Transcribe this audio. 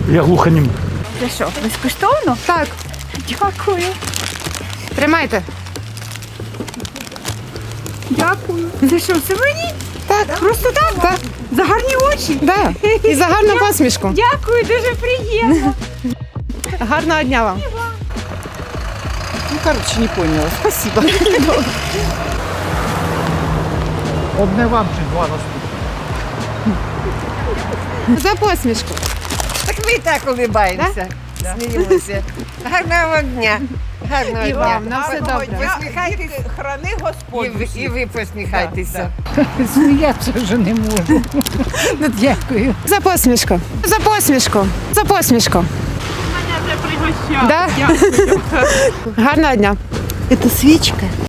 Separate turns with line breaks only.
Я глухонім.
Це що, безкоштовно?
Так,
Дякую.
тримайте.
Дякую. Це що, це мені?
Так.
Просто так?
Так.
За гарні очі?
Да. І за гарну посмішку.
Дякую, дуже приємно.
Гарного дня вам.
Ну, короче, не поняла. Спасибо.
Одне вам чи два наступні.
За посмішку.
Так ви і так улибаємося. Сміємося. Гарного вам дня. Гарного
І
дня.
вам, на все добре.
Посміхайтесь.
Храни Господь.
І ви посміхайтеся.
Сміятися вже не можу. Ну, дякую.
За посмішку. За посмішку. За посмішку. Мене вже пригощали. Да? Гарного дня.
Це свічка.